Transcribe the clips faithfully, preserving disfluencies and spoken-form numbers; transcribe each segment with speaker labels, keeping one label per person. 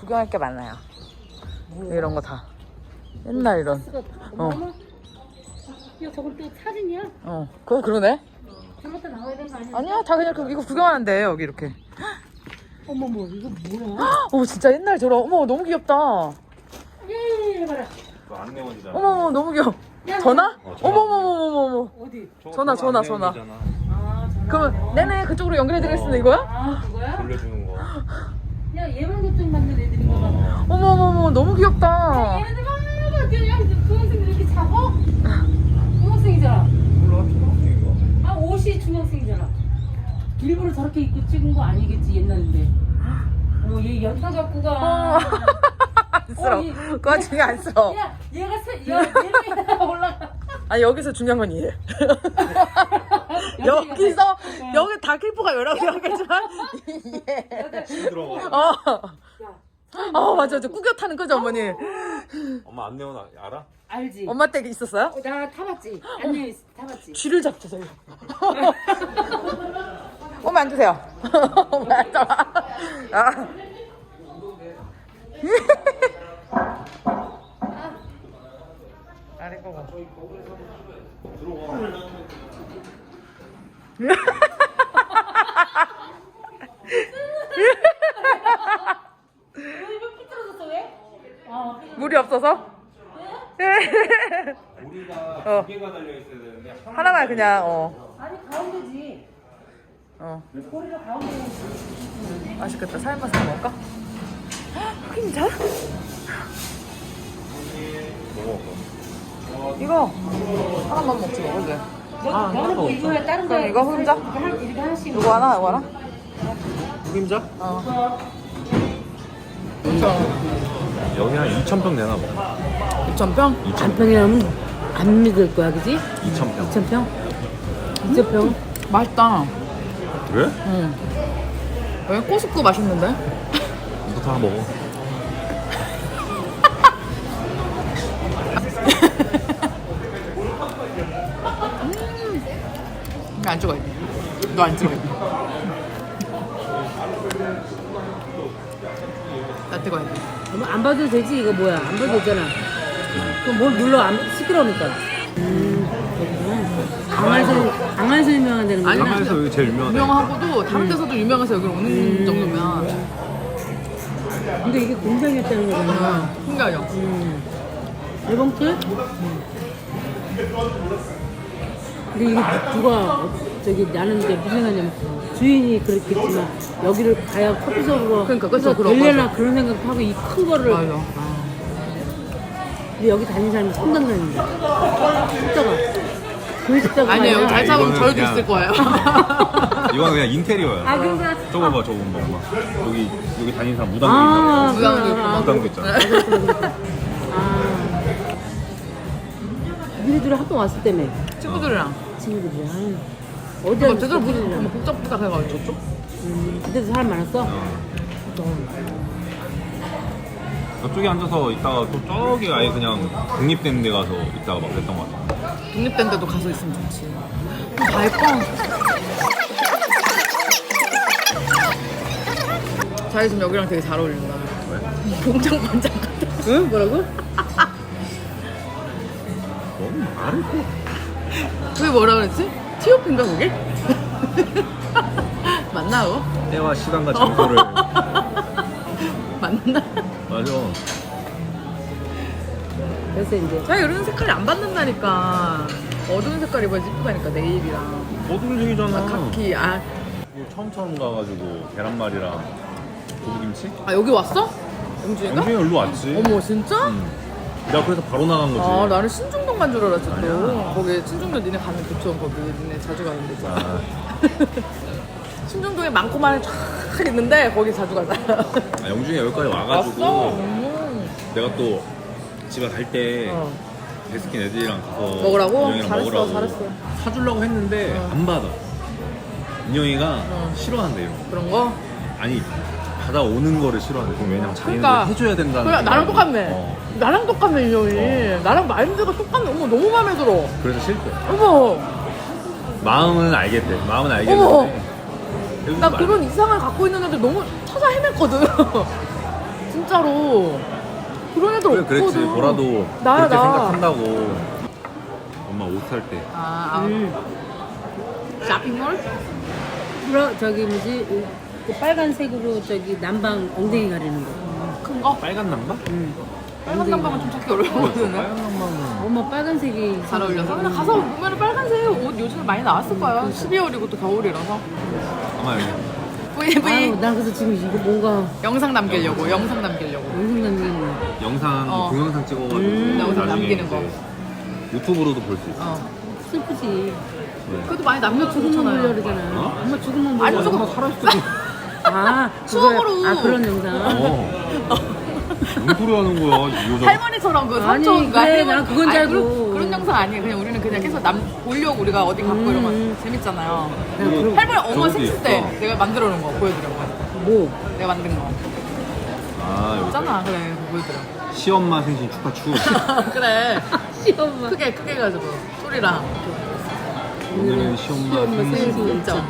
Speaker 1: 구경할 게 많아요. 이런 거 다. 옛날 이런. 어.
Speaker 2: 야, 저건 또 사진이야?
Speaker 1: 어. 그거 그러네.
Speaker 2: 저것도 나와야 되는 거 아니야?
Speaker 1: 아니야, 다 그냥 그, 이거 구경하는데 여기 이렇게.
Speaker 2: 어머머, 이거 뭐야?
Speaker 1: 어, 진짜 옛날 저런. 어머, 너무 귀엽다.
Speaker 2: 예, 봐라.
Speaker 3: 그 안내원이잖아.
Speaker 1: 어머, 너무 귀여워.
Speaker 2: 야,
Speaker 1: 전화?
Speaker 3: 어, 전화.
Speaker 1: 어머머머머머머.
Speaker 2: 어디?
Speaker 1: 전화, 전화, 전화.
Speaker 2: 아, 전화.
Speaker 1: 그러면 내내 그쪽으로 연결해드리겠습니다 이거야?
Speaker 2: 아, 그거야?
Speaker 3: 돌려주는 거.
Speaker 2: 야, 예방접종 맞는 애들인가 봐.
Speaker 1: 어머머머, 너무 귀엽다.
Speaker 2: 얘네들 막 그냥 중학생들 이렇게 잡아? 중학생이잖아.
Speaker 3: 몰라, 초등학생인가?
Speaker 2: 아, 옷이 중학생이잖아. 일부러 저렇게 입고 찍은 거 아니겠지, 옛날인데. 어, 얘 연타 갖고 가.
Speaker 1: 어. 안쓰러워.
Speaker 2: 어, 얘-
Speaker 1: 그 와중에 안쓰러워.
Speaker 2: 야, 얘가 세, 야, 얘가 올라가.
Speaker 1: 아, 여기서 중요한 건 이해. 여기서, 여기 다 클리퍼가 여러 개겠지만, 이해.
Speaker 3: 들어가.
Speaker 1: 어. 어, 맞아. 저 꾸겨 타는 거죠, 어머니?
Speaker 3: 엄마 안내원 아- 알아?
Speaker 2: 알지?
Speaker 1: 엄마 댁 있었어요?
Speaker 2: 어, 나 타봤지. 안녕, 타봤지.
Speaker 1: 쥐를 잡죠, 저희. 어머, 앉으세요. 어머, 앉아봐. 아. 아이고.
Speaker 2: 왜 이거 삐뚤어졌어, 왜? 아,
Speaker 1: 물이 없어서?
Speaker 3: 우리가
Speaker 1: 어.
Speaker 3: 두 개가 달려 있어야 되는데
Speaker 1: 하나만 그냥, 어.
Speaker 2: 아니, 가운데지.
Speaker 1: 어.
Speaker 2: 꼬리가 가운데 있지.
Speaker 1: 맛있겠다. 삶아서 먹을까? 흑임자?
Speaker 3: 먹어.
Speaker 1: 이거 하나만 먹지 뭐, 그게.
Speaker 2: 아, 너는 뭐 이거야, 다른
Speaker 1: 그럼
Speaker 2: 거야?
Speaker 1: 이거 혼자?
Speaker 2: 이거 한, 이거 하나씩.
Speaker 1: 이거 하나, 이거 하나?
Speaker 3: 흑임자?
Speaker 1: 어.
Speaker 3: 여기 한 이천 평 되나 봐.
Speaker 1: 이천 평?
Speaker 2: 안 평이라면 안 믿을 거야, 그지?
Speaker 3: 이천 평.
Speaker 2: 이천 평? 이천 평?
Speaker 1: 맛있다.
Speaker 3: 그래?
Speaker 1: 응. 여기 꼬스쿠 맛있는데?
Speaker 3: 이거 다 먹어.
Speaker 1: 이거 안 찍어야 돼. 너 안 찍어야 돼. 나 찍어야 돼.
Speaker 2: 뭐 안 봐도 되지, 이거 뭐야? 안 봐도 되잖아. 그럼 뭘 눌러, 안, 시끄러우니까. 음, 그렇구나. 강화에서, 강화에서 유명한다는
Speaker 1: 아니,
Speaker 2: 거구나.
Speaker 3: 한강에서 여기 제일 유명하다.
Speaker 1: 유명하고도 다른 데서도 유명해서 여기 오는 정도면
Speaker 2: 근데 이게 공장이었다는 거잖아.
Speaker 1: 응, 신기하죠?
Speaker 2: 음. 일봉틀? 근데 이게 누가 저기 나는 이제 무슨 생각이냐면 주인이 그렇겠지만 여기를 가야 커피숍으로
Speaker 1: 그러니까, 그쵸, 그런
Speaker 2: 되려나
Speaker 1: 거죠.
Speaker 2: 그런 생각하고 이 큰 거를
Speaker 1: 맞아.
Speaker 2: 근데 여기 다니는 사람이 상당히 숫자가 그 숫자가
Speaker 1: 아니에요. 여기 잘 잡으면
Speaker 3: 이거는
Speaker 1: 저희도
Speaker 3: 그냥-
Speaker 1: 있을 거예요.
Speaker 3: 이거는 그냥 인테리어야.
Speaker 2: 아 그런가?
Speaker 3: 저거 봐, 저거 봐. 여기 여기 다니는 사람 무당도
Speaker 2: 아,
Speaker 3: 있나 봐.
Speaker 1: 무당도 있고.
Speaker 3: 무당도 있잖아.
Speaker 2: 아 니네들이 학교 왔을 때문에
Speaker 1: 친구들이랑.
Speaker 2: 친구들이랑 어디
Speaker 1: 근데
Speaker 2: 앉았어?
Speaker 1: 제대로 보지
Speaker 2: 친구들이랑?
Speaker 1: 뭐 복잡복잡 해가지고 저쪽?
Speaker 2: 음, 그때도 사람 많았어?
Speaker 3: 저쪽에 앉아서 있다가 또 저기 아예 그냥 독립된 데 가서 있다가 막 그랬던 것 같아.
Speaker 1: 독립된 데도 가서 있으면 좋지. 다 예뻐. 자기 지금 여기랑 되게 잘 어울린다.
Speaker 3: 왜?
Speaker 1: 공장 반장 같아.
Speaker 2: 응? 뭐라고?
Speaker 3: 너무 말을 해.
Speaker 1: 그게 뭐라 그랬지? 티오피인가 그게? 맞나 그거?
Speaker 3: 때와 시간과 장소를.
Speaker 1: 맞나?
Speaker 3: 맞아.
Speaker 2: 그래서 이제
Speaker 1: 자기 이런 색깔이 안 받는다니까. 어두운 색깔 입어야지 이쁘다니까 네일이랑.
Speaker 3: 어둠색이잖아.
Speaker 1: 아, 카키. 아,
Speaker 3: 뭐 처음 처음 가가지고 계란말이랑 두부김치?
Speaker 1: 아 여기 왔어? 영주인가?
Speaker 3: 영준이 일로 왔지.
Speaker 1: 어머 진짜?
Speaker 3: 응. 내가 그래서 바로 나간 거지.
Speaker 1: 아 나는 신중동 간 줄 알았지 또.
Speaker 3: 아니야.
Speaker 1: 거기 신중동 니네 가면 좋죠. 거기 니네 자주 가는 데죠.
Speaker 3: 아,
Speaker 1: 신중동에 많고 많은 쫙 있는데 거기 자주 가자.
Speaker 3: 아, 영준이 여기까지 와가지고
Speaker 1: 왔어? 음.
Speaker 3: 내가 또 집에 갈 때
Speaker 1: 어.
Speaker 3: 베스킨 애들이랑 가서
Speaker 1: 먹으라고?
Speaker 3: 인형이랑
Speaker 1: 잘했어,
Speaker 3: 먹으라고
Speaker 1: 잘했어.
Speaker 3: 사주려고 했는데
Speaker 1: 어.
Speaker 3: 안 받아. 인형이가
Speaker 1: 어.
Speaker 3: 싫어한대 이런 거.
Speaker 1: 그런 거?
Speaker 3: 아니 받아오는 거를 싫어한대. 그럼 왜냐면 자기는
Speaker 1: 그러니까.
Speaker 3: 해줘야 된다는.
Speaker 1: 그래 나랑
Speaker 3: 생각이-
Speaker 1: 똑같네.
Speaker 3: 어.
Speaker 1: 나랑 똑같네 인형이.
Speaker 3: 어.
Speaker 1: 나랑 마인드가 똑같네. 어머 너무 마음에 들어.
Speaker 3: 그래서 싫대.
Speaker 1: 어머
Speaker 3: 마음은 알겠대. 마음은
Speaker 1: 어머.
Speaker 3: 알겠는데. 여기서
Speaker 1: 나
Speaker 3: 말-
Speaker 1: 그런 이상을 갖고 있는 애들 너무 찾아 헤맸거든. 진짜로. 그런 애들
Speaker 3: 그래,
Speaker 1: 없거든.
Speaker 3: 그랬지. 보라도
Speaker 1: 나야,
Speaker 3: 그렇게
Speaker 1: 나.
Speaker 3: 생각한다고. 엄마 옷 살 때.
Speaker 1: 아, 아.
Speaker 2: 음.
Speaker 1: 쇼핑몰?
Speaker 2: 그럼 저기 뭐지 그 빨간색으로 저기 남방 엉덩이 가리는 거.
Speaker 1: 큰 거?
Speaker 3: 빨간 남바?
Speaker 2: 응.
Speaker 1: 빨간 남방은 좀 찾기 어려웠거든.
Speaker 3: 빨간 남바는.
Speaker 2: 엄마 빨간색이
Speaker 1: 잘 어울려서. 근데 가서 보면 빨간색 옷 요즘에 많이 나왔을 거야. 십이월이고 또 겨울이라서.
Speaker 3: 아마 여기.
Speaker 1: V V
Speaker 2: 아유, 나 그래서 지금 이거 뭔가
Speaker 1: 영상 남기려고. 영상 남기려고.
Speaker 2: 영상 남기는
Speaker 3: 영상,
Speaker 1: 어.
Speaker 3: 동영상 찍어가지고
Speaker 2: 음,
Speaker 1: 영상
Speaker 3: 나중에
Speaker 1: 남기는
Speaker 3: 이제
Speaker 1: 거.
Speaker 3: 유튜브로도 볼 수 있어.
Speaker 1: 어.
Speaker 2: 슬프지.
Speaker 3: 네.
Speaker 1: 그래도 많이 남겨
Speaker 2: 죽으면 보려
Speaker 1: 좋잖아요.
Speaker 2: 그러잖아.
Speaker 3: 어?
Speaker 2: 엄마 죽으면 보려.
Speaker 1: 아니, 조금-
Speaker 3: 엄마 살아있을 때도.
Speaker 2: 아,
Speaker 1: 추억으로.
Speaker 2: 그거야. 아, 그런 영상.
Speaker 3: 어. 무슨 소리 하는 거야, 이 여자.
Speaker 1: 할머니처럼 그
Speaker 2: 아니,
Speaker 1: 삼촌
Speaker 2: 그래, 난 그건 줄
Speaker 1: 아니, 그런,
Speaker 2: 알고.
Speaker 1: 그런 영상 아니에요. 그냥 우리는 그냥 계속 남 보려고 우리가 어디 갔고
Speaker 2: 음.
Speaker 1: 이러면 재밌잖아요.
Speaker 2: 난 그런,
Speaker 1: 할머니 어머
Speaker 3: 저기도
Speaker 1: 생일 때
Speaker 3: 있어.
Speaker 1: 내가 만들어 놓은 거 보여드려고.
Speaker 2: 뭐.
Speaker 1: 내가 만든 거.
Speaker 3: 아, 여기.
Speaker 1: 있잖아. 그래 그거 보여드려.
Speaker 3: 시엄마 생신 축하 추.
Speaker 1: 그래.
Speaker 2: 시엄마.
Speaker 1: 크게 크게 해가지고 소리랑
Speaker 3: 오늘은 시엄마
Speaker 2: 시엄마
Speaker 3: 생신.
Speaker 2: 생신.
Speaker 1: 진짜.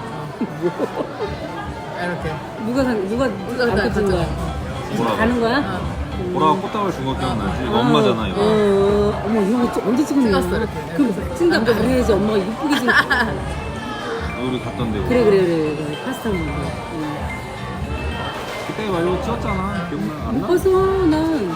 Speaker 1: 이렇게.
Speaker 2: 누가 산, 누가
Speaker 1: 누가
Speaker 2: 안
Speaker 1: 다
Speaker 2: 꽂은 거야?
Speaker 3: 보라가.
Speaker 2: 가는 거야?
Speaker 1: 어.
Speaker 3: 보라가 꽃다발 준 거 기억나지? 이거 엄마잖아, 이거.
Speaker 2: 어, 어머, 이거 언제 찍었냐?
Speaker 1: 찍었어, 이렇게.
Speaker 2: 그럼 찍다 그래야지 엄마가 이쁘게 찍
Speaker 3: 우리 갔던 데.
Speaker 2: 그래, 그래, 그래, 그래. 파스타 먹는 거. 응.
Speaker 3: 그때 막 이거 찍었잖아. 기억나? 안
Speaker 2: 못
Speaker 3: 나?
Speaker 2: 봤어, 난.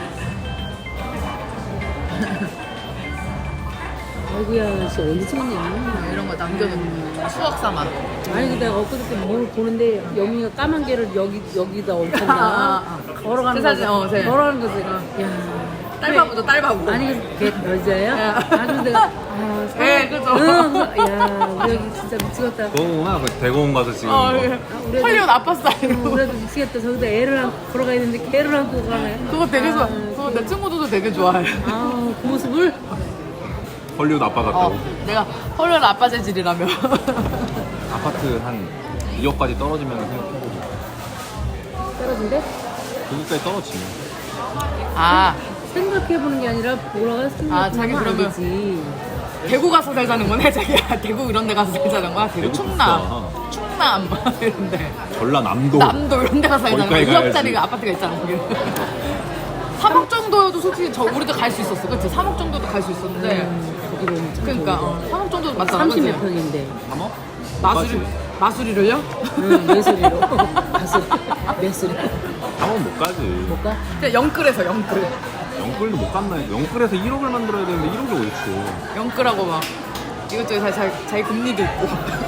Speaker 2: 아이고야, 진짜 언제 찍었냐?
Speaker 1: 이런 거 남겨놓는 거. 추억 삼아.
Speaker 2: 아니, 근데 내가 엊그저께 뭘 보는데 영미가 까만 개를 여기, 여기다
Speaker 1: 아,
Speaker 2: 얹혔나?
Speaker 1: 아.
Speaker 2: 걸어가는
Speaker 1: 제 사진,
Speaker 2: 거.
Speaker 1: 어, 제.
Speaker 2: 걸어가는 거지. 야.
Speaker 1: 딸바보죠 딸바보.
Speaker 2: 아니, 걔 여자예요?
Speaker 1: 야.
Speaker 2: 아주 내가, 아, 사-
Speaker 1: 네, 그죠.
Speaker 2: 응, 야, 우리 여기 진짜 미치겠다.
Speaker 3: 너무나 그 대공원 가서 찍은
Speaker 1: 어,
Speaker 3: 거.
Speaker 1: 예.
Speaker 2: 우리
Speaker 1: 헐리우드 아빠 스타일.
Speaker 2: 어, 그래도 미치겠다. 저기다 애를 안고 걸어가야 되는데 걔를 안고 가네.
Speaker 1: 그거 되게 좋아.
Speaker 2: 아,
Speaker 1: 그거 내 친구들도 되게 좋아해.
Speaker 2: 아, 그 모습을?
Speaker 3: 헐리우드 아빠 같다고.
Speaker 1: 어, 내가 헐리우드 아빠 재질이라며.
Speaker 3: 아파트 한 이억까지 떨어지면 생각해보자.
Speaker 2: 떨어진대?
Speaker 3: 거기까지 떨어지면.
Speaker 1: 아,
Speaker 2: 생각해보는 게 아니라 보러
Speaker 1: 아, 자기
Speaker 2: 생각하면 안
Speaker 1: 그러면-
Speaker 2: 되지.
Speaker 1: 대구 가서 살자는 거네, 자기야. 대구 이런 데 가서 살자는 거야? 대구
Speaker 3: 대구
Speaker 1: 충남. 충남. 이런데.
Speaker 3: 전라남도.
Speaker 1: 남도 이런 데 가서 살자는 거야.
Speaker 3: 거기까지
Speaker 1: 이억짜리
Speaker 3: 가야지.
Speaker 1: 아파트가 있잖아, 거기. 삼억 정도여도 솔직히 저 우리도 갈 수 있었어. 그치? 삼억 정도도 갈 수 있었는데.
Speaker 2: 거기로 오면 참
Speaker 1: 그러니까,
Speaker 2: 좋은데.
Speaker 1: 어, 삼억 정도 맞잖아.
Speaker 2: 삼십 몇
Speaker 1: 그치?
Speaker 2: 평인데.
Speaker 3: 삼억?
Speaker 1: 마수리, 마수리를요?
Speaker 2: 응, 매수리로. 가수, 매수리.
Speaker 3: 삼억 못 가지.
Speaker 2: 못 가?
Speaker 1: 그냥 영끌에서 영끌.
Speaker 3: 영끌도 못 갔나 했어. 영끌에서 일억을 만들어야 되는데 일억이 어딨어.
Speaker 1: 영끌하고 막 이것저것 자, 자, 자기 금리도 있고.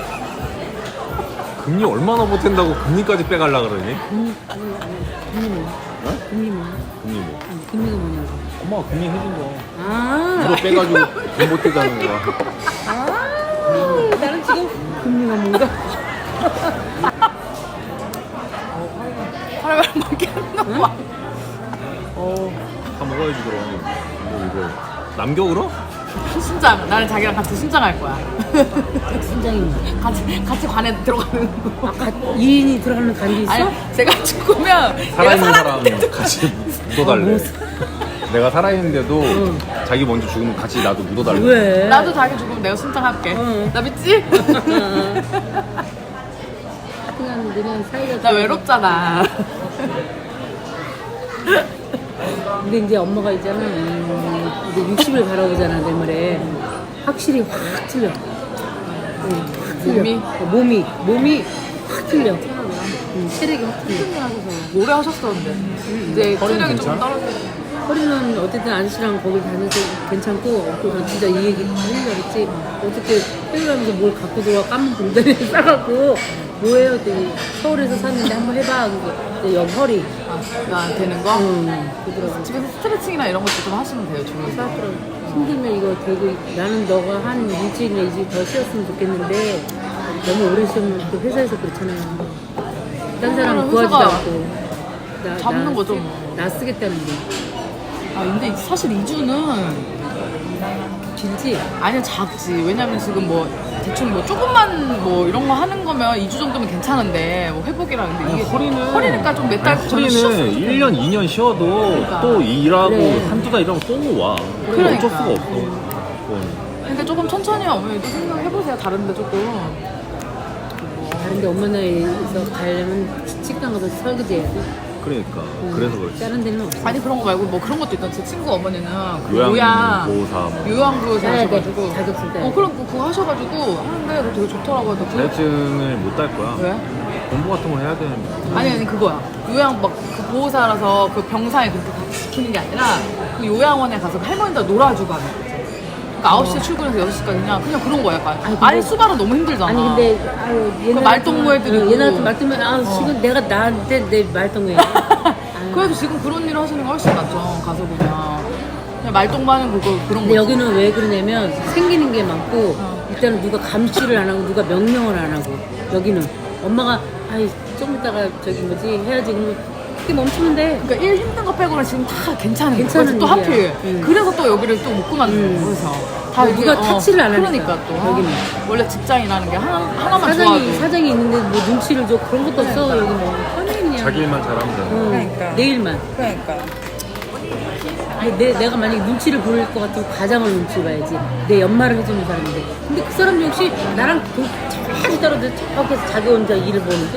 Speaker 3: 금리 얼마나 못한다고 금리까지 빼갈라 그러니?
Speaker 2: 금리, 금리 뭐?
Speaker 3: 어?
Speaker 2: 금리 뭐?
Speaker 3: 금리 뭐?
Speaker 2: 아니, 금리가 뭐냐고.
Speaker 3: 엄마가 금리 해준 거.
Speaker 2: 아,
Speaker 3: 이거 빼가지고 돈 못해자는 거야.
Speaker 2: 아, 나는 지금 금리가 뭔가.
Speaker 1: 하루에 먹게 하는 거.
Speaker 2: 어,
Speaker 3: 다 먹어야지 그럼. 뭐 이거 남겨 그럼?
Speaker 1: 신장. 나는 자기랑 같이 신장할 거야.
Speaker 2: 신장이 뭐.
Speaker 1: 같이 같이 관에 들어가는 거.
Speaker 2: 아, 가, 이 인이 들어가는 간게 있어?
Speaker 1: 아니, 제가 죽으면 내가
Speaker 3: 살아있는
Speaker 1: 살았는데
Speaker 3: 사람 같이 묻어달래. 내가 살아있는데도
Speaker 2: 응.
Speaker 3: 자기 먼저 죽으면 같이 나도 묻어달래.
Speaker 2: 왜?
Speaker 1: 나도 자기 죽으면 내가 신장할게.
Speaker 2: 응.
Speaker 1: 나 믿지?
Speaker 2: 그냥 그냥 사이가.
Speaker 1: 나 외롭잖아.
Speaker 2: 근데 이제 엄마가 있잖아. 음, 이제 육십을 바라보잖아, 내말에. 확실히 확 틀려. 응, 확 틀려.
Speaker 1: 몸이?
Speaker 2: 어, 몸이, 몸이 확 틀려. 응, 체력이 확 틀려.
Speaker 1: 오래 하셨었는데 이제
Speaker 3: 허리는
Speaker 1: 체력이 조금
Speaker 3: 괜찮아?
Speaker 1: 떨어지고.
Speaker 2: 허리는 어쨌든 아저씨랑 거기 다녀서 괜찮고, 어, 진짜 이 얘기 하려고 했지. 어떻게 회의하면서 뭘 갖고 들어와 까만 봉다리에 싸갖고, 뭐예요? 그랬더니 서울에서 샀는데 한번 해봐. 그래서 여기 허리.
Speaker 1: 아, 되는 거?
Speaker 2: 응, 그러더라고.
Speaker 1: 집에서 스트레칭이나 이런 것도 좀 하시면 돼요, 주로.
Speaker 2: 싸더라고. 힘들면 이거 되고, 나는 너가 한 일주일이나 이주일 더 쉬었으면 좋겠는데, 너무 오래 쉬면 또 회사에서 그렇잖아요. 딴 사람
Speaker 1: 그럼
Speaker 2: 구하지도
Speaker 1: 회사가
Speaker 2: 않고. 나,
Speaker 1: 잡는
Speaker 2: 나,
Speaker 1: 거죠, 뭐.
Speaker 2: 나 쓰겠다는데.
Speaker 1: 아, 근데 사실 이 주는
Speaker 2: 길지?
Speaker 1: 아니 작지. 왜냐면 지금 뭐 대충 뭐 조금만 뭐 이런 거 하는 거면 이 주 정도면 괜찮은데 뭐 회복이라 근데 이게
Speaker 3: 허리는
Speaker 1: 허리니까 좀 몇 달
Speaker 3: 아니,
Speaker 1: 전에 쉬었으면
Speaker 3: 허리는
Speaker 1: 좋겠는데.
Speaker 3: 일 년, 이 년 쉬어도
Speaker 1: 그러니까.
Speaker 3: 또 일하고
Speaker 2: 그래.
Speaker 3: 한두 달 일하면 또 와. 그건
Speaker 1: 그러니까.
Speaker 3: 어쩔 수가 없어. 그건.
Speaker 1: 그러니까 조금 천천히 어머니도 생각해보세요. 다른데 조금.
Speaker 2: 다른데 엄마 나이에서 가려면 식당 가서 설거지 해야지.
Speaker 3: 그러니까 그래서 그렇지.
Speaker 2: 다른 데는 없어.
Speaker 1: 아니 그런 거 말고 뭐 그런 것도 있던 제 친구 어머니는 그
Speaker 3: 요양
Speaker 1: 요양
Speaker 3: 보호사 뭐.
Speaker 1: 요양부에서
Speaker 2: 네, 네.
Speaker 1: 하셔가지고
Speaker 2: 자격증 따야
Speaker 1: 어
Speaker 2: 돼.
Speaker 1: 그런 거 그거 하셔가지고 하는데 그거 되게 좋더라고요. 그-
Speaker 3: 자격증을 못 딸 거야.
Speaker 1: 왜?
Speaker 3: 공부 같은 걸 해야 되는데.
Speaker 1: 아니 아니 그거야. 요양 막 그 보호사라서 그 병상에 그렇게 같이 지키는 게 아니라 그 요양원에 가서 그 할머니들 놀아주고 하는 거지. 그러니까 아홉 시에 출근해서 여섯 시까지 그냥 그냥 그런 거야 약간.
Speaker 2: 아니,
Speaker 1: 아니,
Speaker 2: 근데-
Speaker 1: 수발은 너무 힘들잖아.
Speaker 2: 아니 근데 아유 옛날
Speaker 1: 말동무 애들이고.
Speaker 2: 옛날 같은 말동무 아 지금 내가 나한테 내 말동무야.
Speaker 1: 그래도 지금 그런 일을 하시는 게 훨씬 낫죠. 가서 보면 그냥 말똥마는 그거 그런
Speaker 2: 근데
Speaker 1: 거.
Speaker 2: 여기는 왜 그러냐면 생기는 게 많고
Speaker 1: 어.
Speaker 2: 일단은 누가 감시를 안 하고 누가 명령을 안 하고 여기는 엄마가 아이 좀 이따가 저기 뭐지 해야지 그러면 그게 멈추면 돼.
Speaker 1: 그러니까 일 힘든 거 빼고는 지금 다 괜찮은 거야.
Speaker 2: 괜찮은
Speaker 1: 그래서 또 하필
Speaker 2: 일이야. 응.
Speaker 1: 그래서 또 여기를 또 못 그만두는 거야. 그래서 다
Speaker 2: 음. 누가
Speaker 1: 이게,
Speaker 2: 타치를 안 하니까,
Speaker 1: 그러니까 또
Speaker 2: 여기는.
Speaker 1: 원래 직장이라는 게 하나, 하나만
Speaker 2: 사장이
Speaker 1: 좋아도
Speaker 2: 사장이 있는데 뭐 눈치를 줘 그런 것도 없어 여기 뭐 편히 그냥
Speaker 3: 자기 일만 잘하면 되는
Speaker 2: 응,
Speaker 1: 그러니까.
Speaker 2: 내 일만.
Speaker 1: 그러니까
Speaker 2: 아니, 내, 내가 만약에 눈치를 보일 것 같으면 가장을 눈치 봐야지. 내 연말을 해주는 사람인데. 근데 그 사람 역시 나랑 그 저기 떨어져 저기서 자기 혼자 일을 보는데.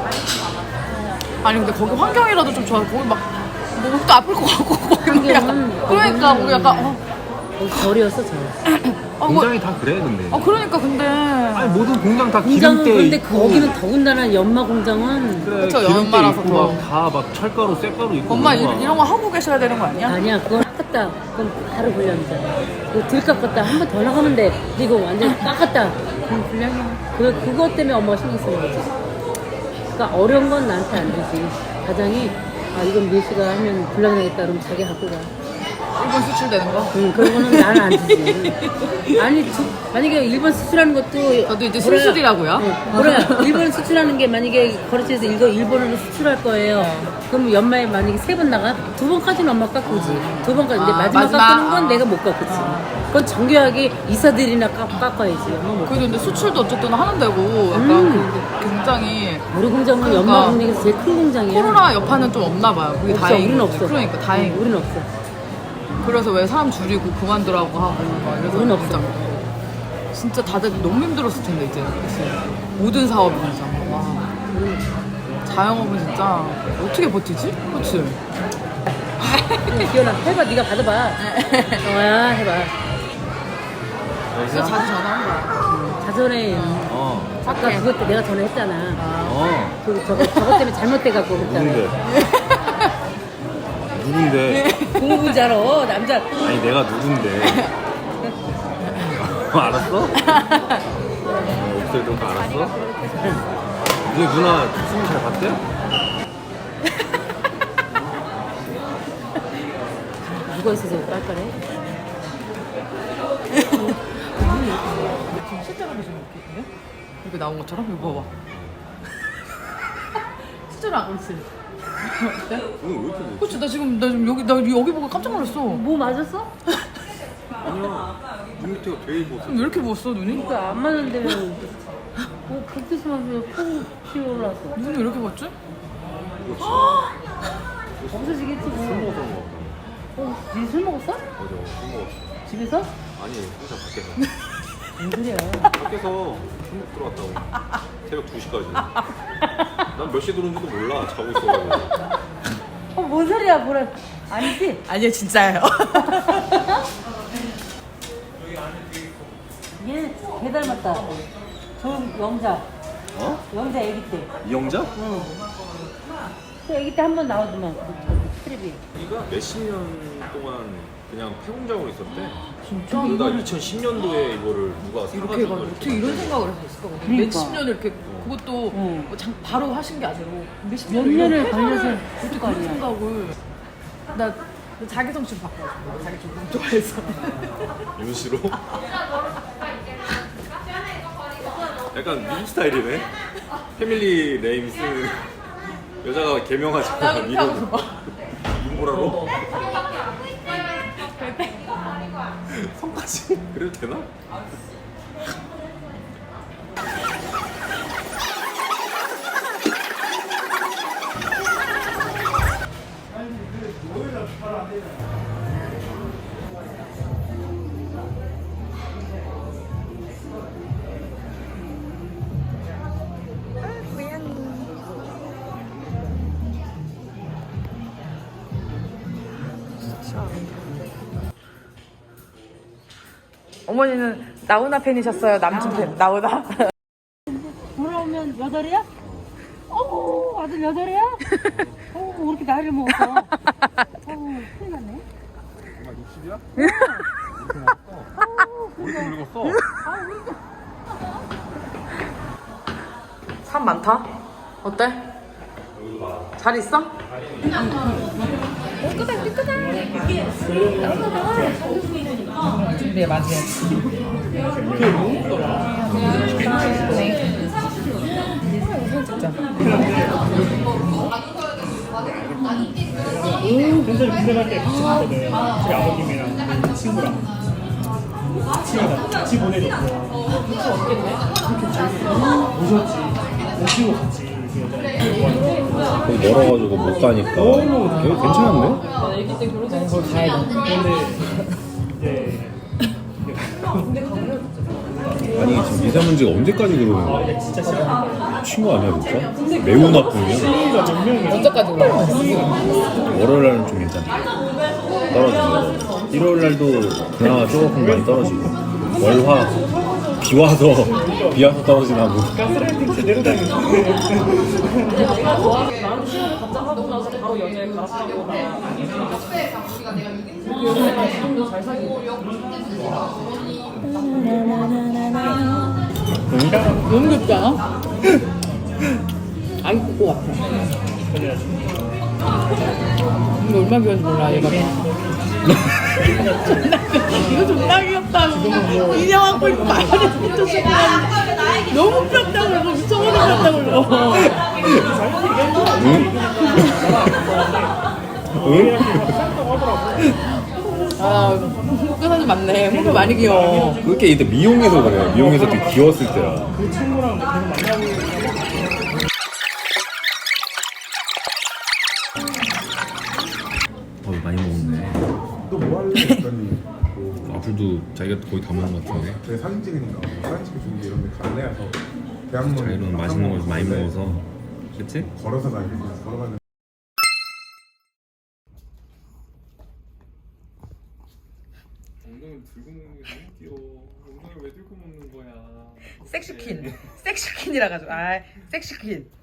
Speaker 1: 아니 근데 거기 환경이라도 좀 좋아. 거기 막 목도 아플 것 같고 거기 약간
Speaker 2: 환경은-
Speaker 1: 그러니까 거기 약간 어,
Speaker 2: 거기 절이었어, 절.
Speaker 1: 어, 뭐,
Speaker 3: 공장이 다 그래 근데.
Speaker 1: 어 그러니까 근데
Speaker 3: 아니 모든 공장 다
Speaker 2: 공장은
Speaker 3: 기름때
Speaker 2: 그런데
Speaker 3: 있고.
Speaker 2: 거기는 더군다나 연마 공장은.
Speaker 3: 그래
Speaker 1: 그쵸,
Speaker 3: 기름때
Speaker 1: 연마라서
Speaker 3: 있고
Speaker 1: 더.
Speaker 3: 막 다 막 철가루 쇠가루 있고.
Speaker 1: 엄마 이,
Speaker 3: 그런 거야.
Speaker 1: 이런 거 하고 계셔야 되는 거 아니야?
Speaker 2: 아니야, 그건 깎았다. 그럼 바로 불량이잖아. 이거 덜 깎았다. 한 번 더 나가면 돼. 근데 이거 완전 깎았다. 그럼 불량이야. 그, 그것 때문에 엄마가 신경 쓰는 거지. 그러니까 어려운 건 나한테 안 되지. 가장이, 아, 이건 예시가 하면 불량 나겠다. 그러면 자기 갖고 가.
Speaker 1: 일본 수출되는 거?
Speaker 2: 응, 그런 거는 나는 안 주지. 아니, 주, 만약에 일본 수출하는 것도.
Speaker 1: 저도 이제
Speaker 2: 뭐라-
Speaker 1: 수술이라고요?
Speaker 2: 응, 뭐라, 일본 수출하는 게 만약에 거래처에서 이거 일본으로 수출할 거예요. 그럼 연말에 만약에 세 번 나가? 두 번까지는 엄마 깎으지. 두 번까지. 근데
Speaker 1: 아,
Speaker 2: 마지막,
Speaker 1: 마지막.
Speaker 2: 깎는 건
Speaker 1: 아.
Speaker 2: 내가 못 깎지. 그건 정교하게 이사들이나 깎, 깎아야지. 엄마 못
Speaker 1: 그래도 근데 수출도 어쨌든 하는 데고 약간
Speaker 2: 음.
Speaker 1: 그 굉장히
Speaker 2: 우리 공장은
Speaker 1: 그러니까.
Speaker 2: 연마 공장에서 제일 큰 공장이야.
Speaker 1: 코로나 여파는 좀 없나 봐요. 그게
Speaker 2: 없어,
Speaker 1: 다행인
Speaker 2: 우리는
Speaker 1: 거지.
Speaker 2: 없어.
Speaker 1: 그러니까 다행.
Speaker 2: 응, 우리는 없어.
Speaker 1: 그래서 왜 사람 줄이고 그만두라고 하고 막 이래서
Speaker 2: 우리는 없어.
Speaker 1: 진짜, 진짜 다들 너무 힘들었을 텐데 이제 그치? 모든 사업이 진짜 와. 자영업은 진짜 어떻게 버티지? 그치?
Speaker 2: 기현아, 해봐. 네가 받아봐. 어야, 해봐.
Speaker 1: 진짜 자주 전화한 거야.
Speaker 2: 자전에
Speaker 3: 어.
Speaker 2: 아까
Speaker 1: 착해.
Speaker 2: 그것 때 내가 전화했잖아.
Speaker 3: 어.
Speaker 2: 그 저거 저거 때문에 잘못돼갖고 그랬잖아.
Speaker 3: 누군데? 누군데?
Speaker 2: 공부 잘어 남자.
Speaker 3: 아니 내가 누군데? 어, 알았어? 어, 목소리 듣고 알았어? 우리 누나 춤 잘 봤대?
Speaker 2: 누가 있어서 빨빨해?
Speaker 1: 실제로 보시면 어떻게 이렇게 나온 것처럼? 이거 봐봐. 실제로 안 그렇지? 어때?
Speaker 3: 오늘 왜 이렇게 못?
Speaker 1: 그치 나 지금 나 지금 여기 나 여기 보고 깜짝 놀랐어.
Speaker 2: 뭐 맞았어?
Speaker 3: 아니야. 눈 밑에가 되게 부었어.
Speaker 1: 왜 이렇게 부었어 눈이?
Speaker 2: 그러니까 안 맞는데 뭐 그렇게 심하게 콩 튀어올랐어.
Speaker 1: 눈이 왜 이렇게 부었지?
Speaker 2: 없어지겠지
Speaker 3: 술
Speaker 2: 뭐.
Speaker 3: 먹어서 그런 거 같아.
Speaker 2: 어, 니술 먹었어?
Speaker 3: 맞아. 술 먹었어.
Speaker 2: 집에서?
Speaker 3: 아니 혼자 밖에서.
Speaker 2: 뭔 소리야?
Speaker 3: 밖에서 술 먹고 들어왔다고. 새벽 두 시까지. 난 몇 시에 들어온지도 몰라. 자고 있어가지고.
Speaker 2: 어, 뭔 소리야? 뭐라? 아니지?
Speaker 1: 아니요 진짜예요.
Speaker 2: 얘 개 닮았다. 저 영자.
Speaker 3: 어?
Speaker 2: 영자 애기 때.
Speaker 3: 이영자?
Speaker 2: 응. 그 애기 때 한 번 나오더만. 그 트레비.
Speaker 3: 우리가 몇십 년 동안 그냥 폐공장으로 있었대.
Speaker 1: 진짜?
Speaker 3: 그러다 이천십 년도에 이거를 누가
Speaker 1: 이렇게
Speaker 3: 사가지고
Speaker 1: 해가지고 어떻게 이런 생각을 할수 있을까?
Speaker 2: 그러니까.
Speaker 1: 몇십 년을 이렇게 그것도
Speaker 2: 응.
Speaker 1: 뭐 장, 바로 하신 게 아니고 몇십
Speaker 2: 몇
Speaker 1: 년을 이런
Speaker 2: 년을
Speaker 1: 회사를
Speaker 2: 걸려서
Speaker 1: 어떻게
Speaker 2: 했을 거
Speaker 1: 그런
Speaker 2: 아니야.
Speaker 1: 생각을 나, 나 자기 성취를 바꿔가지고 자기 좀 너무 좋아해서
Speaker 3: 윤씨로? 약간 미국 스타일이네. 패밀리 네임 쓰는 여자가 개명하잖아.
Speaker 1: 나 그렇게 하고
Speaker 3: 이름
Speaker 1: 봐.
Speaker 3: 윤보라로? 성까지? 그래도 되나?
Speaker 1: 어머니는 나훈아 팬이셨어요? 남친 팬? 나훈아?
Speaker 2: 돌아오면 여덟이야? 어 아들 여덟이야? 어 왜 이렇게 나이를 먹었어? 어 큰일 났네.
Speaker 3: 엄마 육십이야? 이렇게 먹었어. 우리도 늙었어.
Speaker 1: 사람 많다? 어때? 잘 있어? 준비해 맞이해. 진짜.
Speaker 4: 근데 군대 갈 때 같이 갔거든. 저희 아버님이랑 친구랑 같이 가- 같이 보내줬어. 오셨지. 오시고 같이 이렇게 여자.
Speaker 3: 거기 멀어가지고 못 가니까 되게 괜찮은데?
Speaker 1: 거기 가야 돼.
Speaker 4: 근데 이제
Speaker 3: 아니 지금 미세먼지가 언제까지 그러는 거야?
Speaker 4: 이게 진짜 싫어.
Speaker 3: 친구 아니야 진짜? 매우 나쁘냐?
Speaker 4: 친구가 몇 명이야?
Speaker 1: 언제까지 올라가?
Speaker 3: 월요일날은 좀 괜찮아. 떨어지고 일요일 날도 그나마 조금 많이 떨어지고 월화 비 와서 비 와서 떨어지나 뭐.
Speaker 4: 가스라이팅 제대로 당했는데.
Speaker 1: 너무 귀엽지 않아? 아기 꼬꼬 같아. 이거 얼마나 귀여운지 몰라 얘가. 이거 존나 귀엽다고. 인형 안고 있고 말하는 미쳤어. 너무 귀엽다고 그러고 미쳐버리겠다고 그러고.
Speaker 3: 응?
Speaker 1: 아, 홍대 사진 맞네. 홍대 많이 귀여워.
Speaker 3: 그렇게 이때 미용에서 그래. 미용에서 되게 귀여웠을 때야.
Speaker 4: 그 친구랑 계속 만나고 있는데
Speaker 3: 어 많이 먹었네.
Speaker 5: 또 뭐 할래 했더니
Speaker 3: 앞으로도 자기가 거의 다 먹은 것 같은데.
Speaker 5: 제 사진 찍으니까 사진 찍을 준비 이런 데 갈래 해서 대학로
Speaker 3: 자기는 맛있는 걸 많이 먹어서 그치?
Speaker 5: 걸어서 다니고 걸어가는
Speaker 3: 엉덩이 들고 먹는 게 너무 귀여워. 엉덩이 왜 들고 먹는 거야?
Speaker 1: 섹시퀸. 섹시퀸이라 가지고. 아, 섹시퀸.